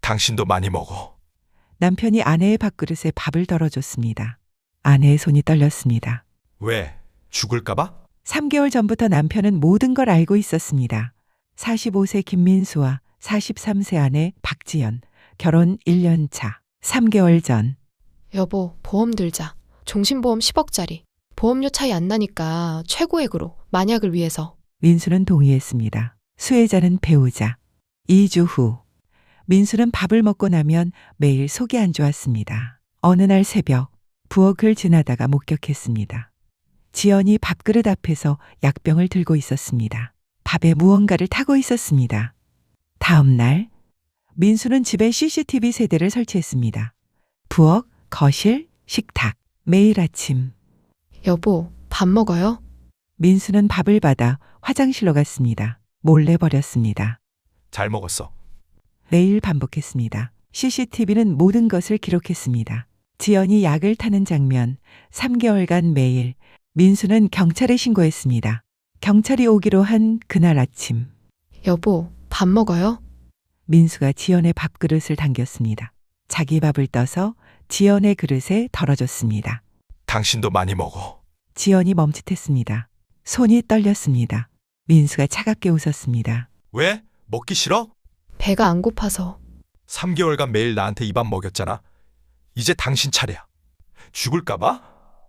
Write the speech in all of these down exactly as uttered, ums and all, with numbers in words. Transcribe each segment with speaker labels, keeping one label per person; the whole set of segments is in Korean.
Speaker 1: 당신도 많이 먹어.
Speaker 2: 남편이 아내의 밥그릇에 밥을 덜어줬습니다. 아내의 손이 떨렸습니다.
Speaker 1: 왜? 죽을까봐?
Speaker 2: 삼 개월 전부터 남편은 모든 걸 알고 있었습니다. 사십오 세 김민수와 사십삼 세 아내 박지연, 결혼 일 년 차. 삼 개월 전.
Speaker 3: 여보, 보험 들자. 종신보험 십억짜리. 보험료 차이 안 나니까 최고액으로, 만약을 위해서.
Speaker 2: 민수는 동의했습니다. 수혜자는 배우자. 이 주 후. 민수는 밥을 먹고 나면 매일 속이 안 좋았습니다. 어느 날 새벽, 부엌을 지나다가 목격했습니다. 지연이 밥그릇 앞에서 약병을 들고 있었습니다. 밥에 무언가를 타고 있었습니다. 다음 날, 민수는 집에 씨씨티비 세대를 설치했습니다. 부엌, 거실, 식탁. 매일 아침.
Speaker 3: 여보, 밥 먹어요?
Speaker 2: 민수는 밥을 받아 화장실로 갔습니다. 몰래 버렸습니다.
Speaker 1: 잘 먹었어.
Speaker 2: 매일 반복했습니다. 씨씨티비는 모든 것을 기록했습니다. 지연이 약을 타는 장면, 삼 개월간 매일. 민수는 경찰에 신고했습니다. 경찰이 오기로 한 그날 아침.
Speaker 3: 여보, 밥 먹어요?
Speaker 2: 민수가 지연의 밥그릇을 당겼습니다. 자기 밥을 떠서 지연의 그릇에 덜어줬습니다.
Speaker 1: 당신도 많이 먹어.
Speaker 2: 지연이 멈칫했습니다. 손이 떨렸습니다. 민수가 차갑게 웃었습니다.
Speaker 1: 왜? 먹기 싫어?
Speaker 3: 배가 안 고파서.
Speaker 1: 삼 개월간 매일 나한테 이 밥 먹였잖아. 이제 당신 차례야. 죽을까봐?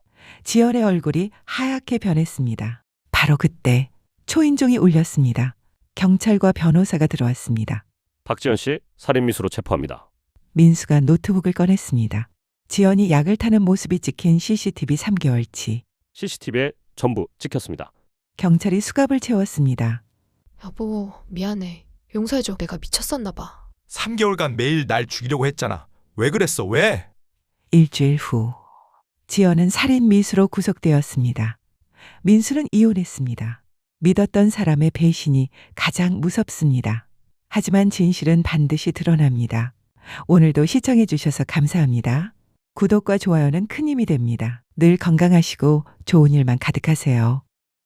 Speaker 2: 지연의 얼굴이 하얗게 변했습니다. 바로 그때 초인종이 울렸습니다. 경찰과 변호사가 들어왔습니다.
Speaker 4: 박지연 씨 살인미수로 체포합니다.
Speaker 2: 민수가 노트북을 꺼냈습니다. 지연이 약을 타는 모습이 찍힌 씨씨티비 삼 개월치.
Speaker 4: 씨씨티비에 전부 찍혔습니다.
Speaker 2: 경찰이 수갑을 채웠습니다.
Speaker 3: 여보, 미안해. 용서해줘. 내가 미쳤었나 봐.
Speaker 1: 삼 개월간 매일 날 죽이려고 했잖아. 왜 그랬어? 왜?
Speaker 2: 일주일 후. 지연은 살인 미수로 구속되었습니다. 민수는 이혼했습니다. 믿었던 사람의 배신이 가장 무섭습니다. 하지만 진실은 반드시 드러납니다. 오늘도 시청해 주셔서 감사합니다. 구독과 좋아요는 큰 힘이 됩니다. 늘 건강하시고 좋은 일만 가득하세요.